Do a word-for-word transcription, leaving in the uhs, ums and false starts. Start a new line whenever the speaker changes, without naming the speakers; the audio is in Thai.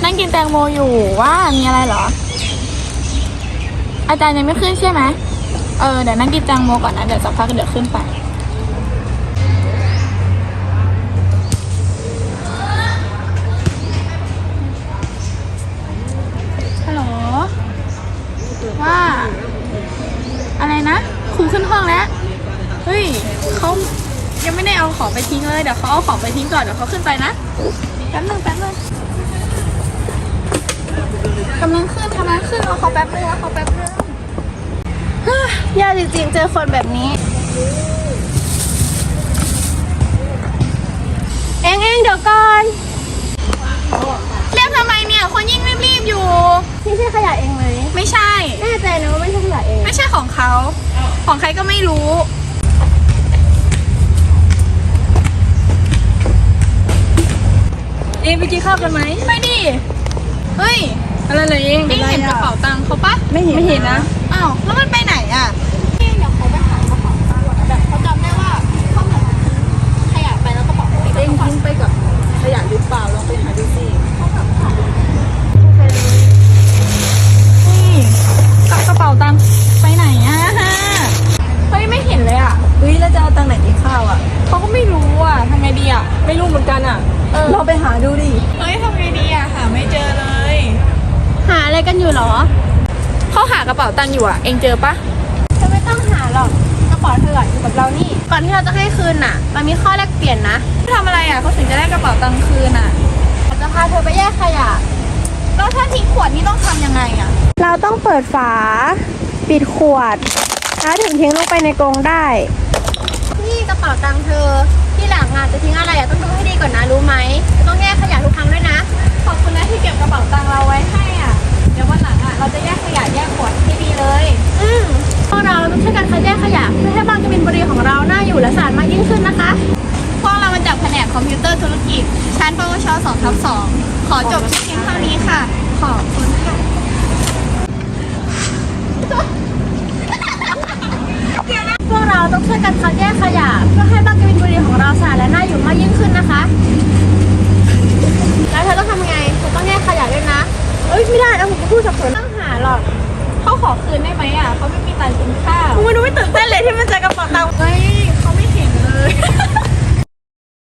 นั่งกินแตงโมอยู่ว่ามีอะไรเหรออาจารย์ยังไม่ขึ้นใช่ไหมเออเดี๋ยวนั่งกินแตงโมก่อนนะเดี๋ยวสักพักเดี๋ยวขึ้นไปฮัลโหลว่าอะไรนะครูขึ้นห้องแล้วเฮ้ยเขายังไม่ได้เอาของไปทิ้งเลยเดี๋ยวเขาเอาของไปทิ้งก่อนเดี๋ยวเขาขึ้นไปนะแป๊บนึงแป๊บนึงกำลังขึ้นกำลังขึ้นรอเขาแป๊บนึงรอเขาแป๊บนึงยากจริงๆเจอคนแบบนี้เอ็งเอ็งเดี๋ยวก่อนเรียกทำไมเนี่ยคนยิ่งรีบๆอยู่
นี่ใช่ขยะเองไหม
ไม่ใช่
แน่ใจนะว่าไม่ใช่ขยะเอง
ไม่ใช่ของเขาของใครก็ไม่รู้
เอ็งไปกินข้าวกันไหม
ไปดิเฮ้ย
อะไรเลยเอง
เอ็งเห็นกระเป๋าตังค์เขาปะ
ไม่เห็นไม่เห็นนะ
อ้าวแล้วมันไปไหนอ่ะ
เดี๋ยวเขาไปหากระเป๋าตังค์แบบเขาจำได้ว่าเขาเหมือนขยะไปแล้วกระเป๋าเอ็งทิ้งไปกับขยะหรือเปล่าลองไปหาดูสิ
นี่กระเป๋าตังค์ไปไหนอ่ะเฮ้ยไม่เห็นเลยอ่ะ
เฮ้ยแล้วจะเอาตังค์ไหนกินข้าวอ่ะ
เขาก็ไม่รู้อ่ะทำไงดีอ่ะ
ไม่รู้เหมือนกันอ่ะเออลองไปหาดูดิ
เฮ้ยทำไงดีอ่ะหาไม่เจอเลย
หาอะไรกันอยู่หรอ
เขาหากระเป๋าตังค์อยู่อ่ะเองเจอปะ
เธอไม่ต้องหาหรอกกระเป๋าเธออยู่กับเรานี่ก่อนที่เราจะให้คืนน่ะมันมีข้อแลกเปลี่ยนนะ
ทำอะไรอ่ะเขาถึงจะได้กระเป๋าตังค์คืนอ่ะ
จะพาเธอไปแยกขยะ
แล้วถ้าทิ้งขวดนี่ต้องทำยังไงอ่ะ
เราต้องเปิดฝาปิดขวดแล้วถึงทิ้งลงไปในกรงได้นี่กระเป๋าตังค์เธอที่หลังงานจะทิ้งอะไรอ่ะต้องดูให้ดีก่อนนะรู้ไหมต้องแยกขยะทุกครั้งด้วยนะ
ขอบคุณนะที่เก็บกระเป๋าตังค์เราไว้ให้อ่ะเดี๋ยววันหลังอ่ะเราจะแยกขยะแยกขวดให้ดีเลย
อืมพวกเราต้องช่วยกันคัดแยกขยะเพื่อให้บางกบินบุรีของเราน่าอยู่และสะอาดมากยิ่งขึ้นนะคะ
พวกเรามาจากแผนกคอมพิวเตอร์ธุรกิจชั้นปวช สองทับสอง ขอจบเพียงเท่านี้ค่ะขอบคุณค่ะ
พวกเราต้องช่วยกันคัดแยกขยะเพื่อให้บางกบินบุรีของเราสะอาดและน่าอยู่มากยิ่งขึ้นนะคะ